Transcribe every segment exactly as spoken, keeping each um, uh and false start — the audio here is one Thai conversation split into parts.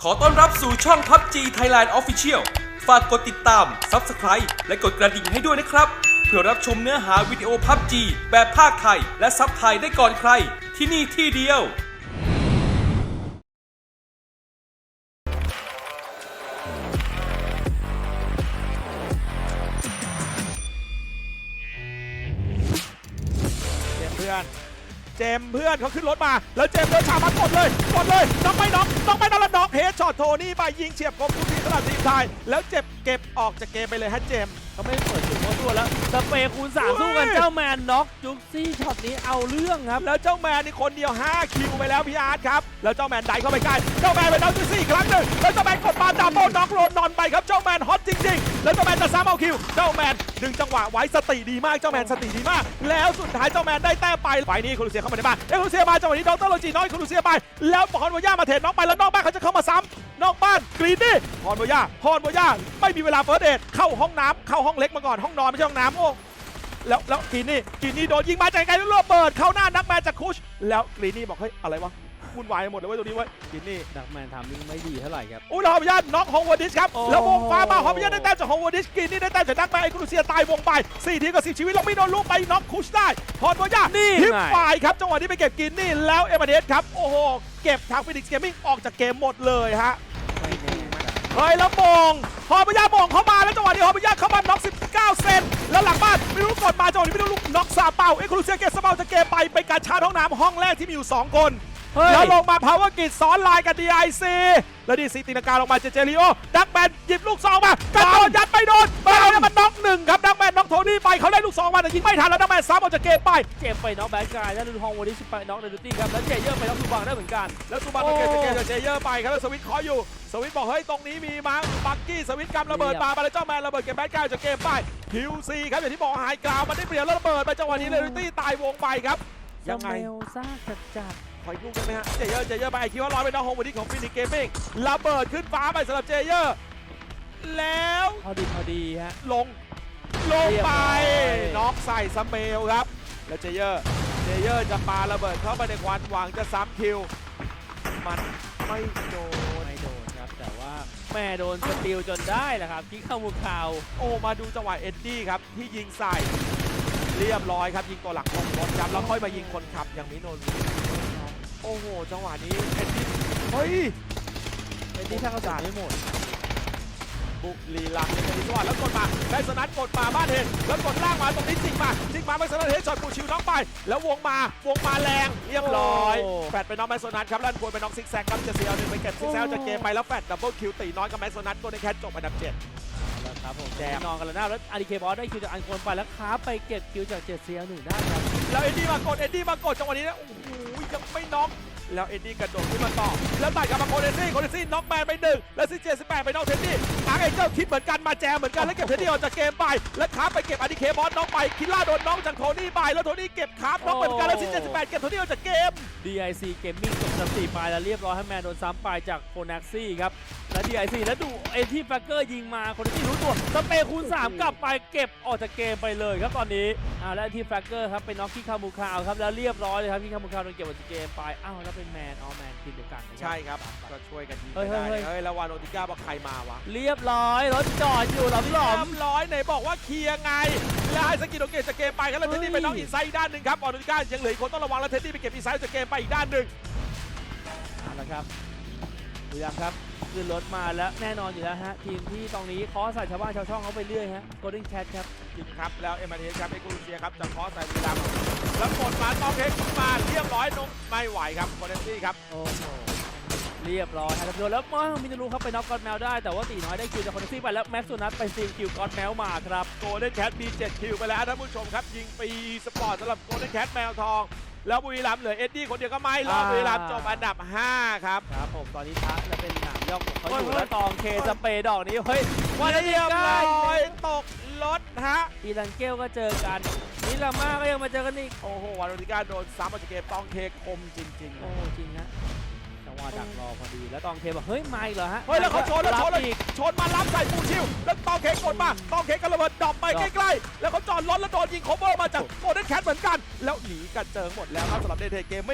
ขอต้อนรับสู่ช่อง พับจี Thailand Official ฝากกดติดตาม ซับสไครบ์ และกดกระดิ่งให้ด้วยนะครับ เพื่อรับชมเนื้อหาวิดีโอ พับจี แบบภาคไทย และซับไทยได้ก่อนใคร ที่นี่ที่เดียวเพื่อนเจมเพื่อนเขาขึ้นรถมาแล้วเจมเดินฉากมากดเลยกดเลยน้องไม่น้องน้องไม่น้องแล้วน้องเฮดช็อตโทนี่ไปยิงเฉียบคมทุกทีสำหรับทีมไทยแล้วเจ็บเก็บออกจากเกมไปเลยฮะเจมเขาไม่เปิดจุดโม้ตัวแล้วสเปรย์คูณสามสู้กันเจ้าแมนน็อกจุ๊กซี่ช็อตนี้เอาเรื่องครับแล้วเจ้าแมนนี่คนเดียวห้าคิวไปแล้วพี่อาร์ตครับแล้วเจ้าแมนไดเข้าไปใกล้เจ้าแมนไปน้องจุ๊กซี่อีกครั้งหนึ่งแล้วเจ้าแมนกดมาดับเบิลน็อกโรนนอนไปครับเจ้าแมนฮอตจริงๆแล้วเจ้าแมนจะซ้ำเอาคิวเจ้าแมนดึงจังหวะไว้สติดีมากเจ้าแมนสติดีมากแล้วสุดท้ายเจ้าแมนได้แต้มไปไฟนี้คุณลูเซียเข้ามาในบ้านเอ้คุณลูเซียมาจังหวะนี้ดรโลจิน้อยคุณลูเซียไปแล้วพรโบย่ามาเทรดน้องไปแล้วนอกบ้านเขาจะเข้ามาซ้ำนอกบ้านกรีนนี่พรโบย่าพรโบย่าไม่มีเวลาเฟิร์สเดทเข้าห้องน้ำเข้าห้องเล็กมาก่อนห้องนอนไม่ใช่ห้องน้ำโอ้แล้วแล้วกรีนนี่กรีนนี่โดนยิงมาจากไกลแล้วระเบิดเข้าหน้านักแมนจากคุชแล้วกรีนนี่บอกเฮ้ยอะไรวะวุ่นวายหมดเลยเว้ยตัวนี้เว้ยกรีนนี่ดักแมนทำมิ่งไม่ดีเท่าไหร่ครับอุ้ยฮอมยันน็อกฮองวอร์ดิสครับโอ้แล้ววงฟ้ามาฮอมยันได้แต้มจากฮองวอร์ดิสกรีนนี่ได้แต้มจากนักแมนไอครูเซียตายวงไปสี่ทีกับสิบชีวิตแล้วไม่โดนลูกไปน็อกคุชได้พรโบย่านี่ทิปไงฝ่ายครับจังหวะนี้ไปเก็บกรีนนี่แล้วเอเมเดสครับโอ้โหเก็บทางฟินิกส์เกมมิ่งออกจากเกมหมดเลยฮะไม่แน่ครับเฮ้ยแล้วมงฮอมย่ามงเข้ามาแล้วจังหวะนี้ฮอมย่าเข้ามาน็อกสิบเก้าเซนแล้วหลังบ้านไม่รู้กดมาจังหวะนี้ไม่รู้ลูกน็อกซาเปาเอ็กซ์คลูเซียเกสเปาจะเกมไปไปการชาร์จห้องน้ำห้องแรกที่มีอยู่สองคนเฮ้ยแล้วลงมาพาวเวอร์กิจซ้อนไลน์กับ ดี ไอ ซี แล้วดีซีตีนาการลงมาเจเจริโอดักแมนหยิบลูกซองมากระโดดยัดไปโดนไปแล้วมันน็อกหนึ่งครับดักแมนน็อกโทนี่ไปเขาได้ลูกซองมาแต่ยิงไม่ทันแล้วดักแมนซ้ำออกจากเกมไปเจ็บไปน็อกแบดกายแล้วดูฮองวันนี้สิบไปน็อกในดูตี้ครับแล้วเจเยอร์ไปน็อกซูบังได้เหมือนกันแล้วตูบันมาเก็บจากเกมจากเจเยอร์ไปครับแล้วสวิตขออยู่สวิตบอกเฮ้ยตรงนี้มีมั้งบักกี้สวิตกำระเบิดมาไปแล้วเจ้าแมนระเบิดเก็บแบดกายจากเกมไปคิวซีครับอย่างที่บอกไฮกราวมันได้เปรียบแล้วระเบิดไปจังหวะนี้เลยดูตี้ตายวงไปครับยังไงสเมลซ่าจัดจัดขออีกลูกได้ไหมฮะเจเยอร์เจเยอร์ไปไอคิดว่าร้อยไปน้องโฮมวันนี้ของฟินิกเกมมิ่งระเบิดขึ้นฟ้าไปสำหรับเจเยอร์แล้วพอดีพอดีฮะลงลงไปเรียบร้อยน็อกใส่สเมลครับแล้วเจเยอร์เจเยอร์จะปาระเบิดเข้าไปในควันหวังจะซ้ำคิวมันไม่โดนไม่โดนครับแต่ว่าแม่โดนสติลจนได้แหละครับคิกเข้ามุมข่าวโอ้มาดูจังหวะเอ็ดดี้ครับที่ยิงใส่เรียบร้อยครับยิงตัวหลักของรถครับแล้วค่อยมายิงคนขับอย่างมิโนรุโอ้โหจังหวะนี้เอ็ดดี้เฮ้ยไอ้ที่ถ้าเขาจ่ายไม่หมดบุรีรัมย์ในจังหวะแล้วกดมาได้สนัดกดมาบ้านเห็นแล้วกดล่างมาตรงนี้จิงมาจิงมาไม่สนัดเฮดช็อตปูชิวน้องไปแล้ววงมาวงมาแรงเรียบร้อยโอ้แฟดไปน้องแมสโซนัทครับลั่นควรไปน้องซิกแซกครับจะเสียเอาหนึ่งไปเก็บซิกแซกจากเกมไปแล้วแฟดดับเบิลคิวตีน้อยกับแมสโซนัทตัวในแคทจบอันดับเจ็ดแล้วครับผมแจมนอนกันแล้วนะแล้วอารีเคบอสได้คิวจากอันโคนไปแล้วค้าไปเก็บคิวจากเจ็ดเซียหนึ่งได้ครับแล้วเอ็ดดี้มากดเอ็ดดี้มากดจังหวะนี้นะโอ้โหยังไม่น็อกแล้วเอ็ดดี้กระโดดขึ้นมาต่อแล้วตัดกลับมาโคเดซี่โคเดซี่น็อกแมนไปหนึ่งแล้วซิเจสิบแปดไปน็อกเท็ดดี้อาร์เอเจ้าคิดเหมือนกันมาแจมเหมือนกันแล้วเก็บเท็ดดี้ออกจากเกมไปแล้วค้าไปเก็บอาริเคบอสน็อกไปคิล่าโดนน็อกจากโทนี่ไปแล้วโทนี่เก็บค้าน็อกเหมือนกันแล้วซิเจสิบแปดเก็บโทนี่ออกจากเกมดี ไอ ซี Gaming จบสามสี่ไปแล้วเรียบร้อยให้แมนโดนซ้ำไปจากโคนักซี่ครับและ ดี ไอ ซี แล้วดูเอ็นที่แฟกเกอร์ยิงมาคนที่รู้ตัวสเปรย์คูณสามกลับไปเก็บออกจากเกมไปเลยครับตอนนี้อ่าและที่แฟกเกอร์ครับเป็นน็อกที่คามูคาวครับแล้วเรียบร้อยเลยครับที่คามูคาวโดนเก็บออกจากเกมไปอ้าวแล้วเป็นแมนออแมนทีมเดียวกันนะใช่ครับก็ช่วยกันยิงเฮ้ไปยได้เฮ้ยเฮ้ยแล้ววานโอติก้าบอกใครมาวะเรียบร้อยรถจอดอยู่หลอมหลอมเรียบร้อยไหนบอกว่าเคลียร์ไงแล้วให้สกิโดเกตจากเกมไปครับแล้วเท็ดดี้ไปน็อกอินไซด์อีกด้านหนึ่งครับวานโอติก้ายังเหลืออีกคนต้องระวังแล้วเท็ดดี้ไปเก็บอินไซด์จากเกมไปอีกด้านหนึ่งเอาละครับดูยังครับขึ้นรถมาแล้วแน่นอนอยู่แล้วฮะทีมที่ตรงนี้เคอใส่ชาวบ้านชาวช่องเขาไปเรื่อยฮะ Golden Cat ครับจริงครับแล้วเอ็มอาร์ทีครับเอ็กซ์คลูเซียครับจะเคอใส่บุรีรัมย์แล้วกดมาต้องเทคมาเรียบร้อยนงไม่ไหวครับโคเดซี่ครับโอ้โหเรียบร้อยครับโดนแล้วมามินารูครับไปน็อกกอดแมวได้แต่ว่าตีน้อยได้คิวจากคอนเนซี่ไปแล้วแม็กซ์ซูนัทไปซีลคิวกอดแมวมาครับโกลเด้นแคทมีเจ็ดคิวไปแล้วท่านผู้ชมครับยิงปีสปอร์ตสำหรับโกลเด้นแคทแมวทองแล้วบุรีรัมย์เหลือเอ็ดดี้คนเดียวก็ไม่รอดบุรีรัมย์จบอันดับห้าครับครับผมตอนนี้ทักจะเป็นหนามย่องของเขาอยู่เฮ้ยแล้วตองเคสเปย์ดอกนี้เฮ้ยวันเรีนี้ยบใกล้ร้อยตกรถฮะอีลันเกลก็เจอกันนิลาม่าก็ยังมาเจอกันอีกโอ้โหวานโอติก้าโดนซ้ำออกจากเกมต้องเทคมจริงๆโอ้จริงฮะจังหวะดักรอพอดีแล้วตองเคบอกเฮ้ยมาอีกเหรอฮะเฮ้ยแล้วเขาชนแล้วชนเลยอีกชนมารับใส่ปูชิวแล้วต้องเค้กกดมาต้องเค้กกันระเบิดดรอปไปดรอปใกล้ๆแล้วเขาจอดรถแล้วโดนยิงโคเวอร์มาจากโกลเด้นแคทเหมือนกัน แล้วหนีกันเจิงหมดแล้วครับสำหรับเดเทเกมมิ่ง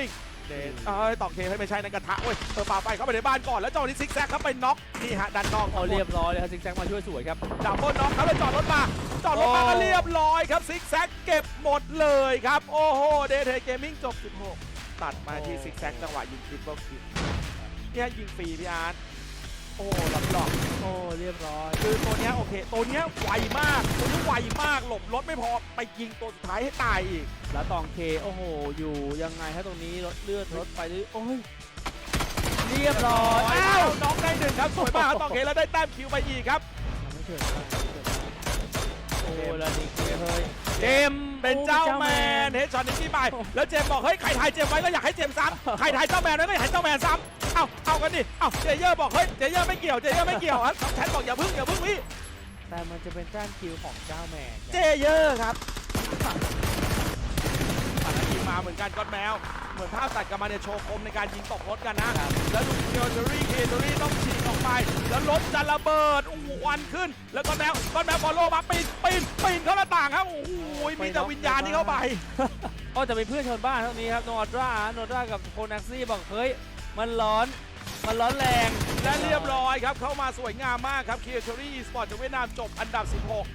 เดนเอ้ยต่อเคให้ไม่ใช่ในกระทะเว้ยเออป่าไปเข้าไปในบ้านก่อนแล้วจังหวะนี้ซิกแซกครับไปน็อกนี่ฮะดันนอกเอาเรียบร้อยเลยครับซิกแซกมาช่วยสวยครับดับเบิลน็อกครับแล้วจอดรถมาจอดรถมาโอ้ก็เรียบร้อยครับซิกแซกเก็บหมดเลยครับโอ้โหเดทเกมมิ่งจบสิบหกตัดมาที่ซิกแซกจังหวะยิงทริปเปิลคิวเนี่ยยิงฟรีพี่อาร์ตโอ้หลอกหลอกโอ้เรียบร้อยคือตัวเนี้ยโอเคตัวเนี้ยไวมากตัวนี้ไวมากหลบรถไม่พอไปยิงตัวสุดท้ายให้ตายอีกแล้วตองเคโอ้โหอยู่ยังไงถ้าตรงนี้รถเลือดรถไปด้วยโอ้ยเรียบร้อยอ้าวน้องได้หนึ่งครับสวยมากครับต่อเคแล้วได้แต้มคิวไปอีกครับไม่เถิดโอ้แล้วนี่เคเฮ้ยเจมส์เป็นเจ้าแมนเฮดช็อตนิกกี้ไปแล้วเจมส์บอกเฮ้ยใครทายเจมส์ไว้ก็อยากให้เจมส์ซ้ำใครทายเจ้าแมนไว้ก็อยากให้เจ้าแมนซ้ำเอาเอากันดิเอาเจเยอร์บอกเฮ้ยเจเยอร์ไม่เกี่ยวเจเยอร์ไม่เกี่ยวครับแทนบอกอย่าพึ่งอย่าพึ่งพี่แต่มันจะเป็นแต้มคิวของเจ้าแมนเจเยอร์ครับตัดแล้วยิงมาเหมือนกันก็อดแมวเหมือนภาพตัดกลับมาเนี่ยโชว์คมในการยิงตกรถกันนะแล้วดูเคียวเทอรี่เคียวเทอรี่ต้องฉีกออกไปแล้วรถจะระเบิดโอ้โหควันขึ้น แล้วก็แมวก็แมวฟอลโล่มาปีนปีนปีนเข้าหน้าต่างครับโอ้โหมีแต่วิญญาณที่เข้าไปโอ้จะเป็นเพื่อนชนบ้านเท่านี้ครับโนดราโนดรากับโคนักซี่บอกเฮ้ยมันร้อนมันร้อนแรงและเรียบร้อยครับเข้ามาสวยงามมากครับเคียวเทอรี่สปอร์ตจากเวียดนามจบอันดับสิบหก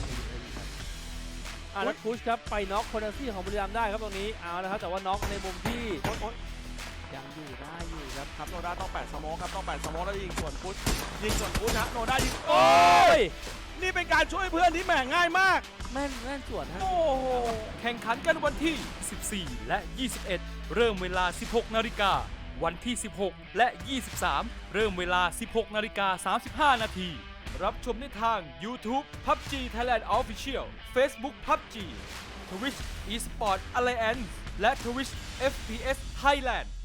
อ่ะแล้วพุชครับไปน็อกโคนักซี่ของบุรีรัมย์ได้ครับตรงนี้เอาละครับแต่ว่าน็อกในมุมที่ยังอยู่ได้อยู่ครับครับโนด้าต้องแปดสโมกครับต้องแปดสโมกแล้วยิงส่วนพุทธยิงส่วนพุทธนะโนด้ายิงโอ้โอ้ยยนี่เป็นการช่วยเพื่อนที่แหม่ง่ายมากแม่นแม่นสวนฮะโอ้โหแข่งขันกันวันที่ สิบสี่ และ ยี่สิบเอ็ด เริ่มเวลา สิบหก นาฬิกา วันที่ สิบหก และ ยี่สิบสาม เริ่มเวลา สิบหก นาฬิกา สามสิบห้า นาที รับชมได้ทาง YouTube พับจี Thailand Official Facebook พับจี Twitch Esport Alliance และ Twitch เอฟ พี เอส Thailand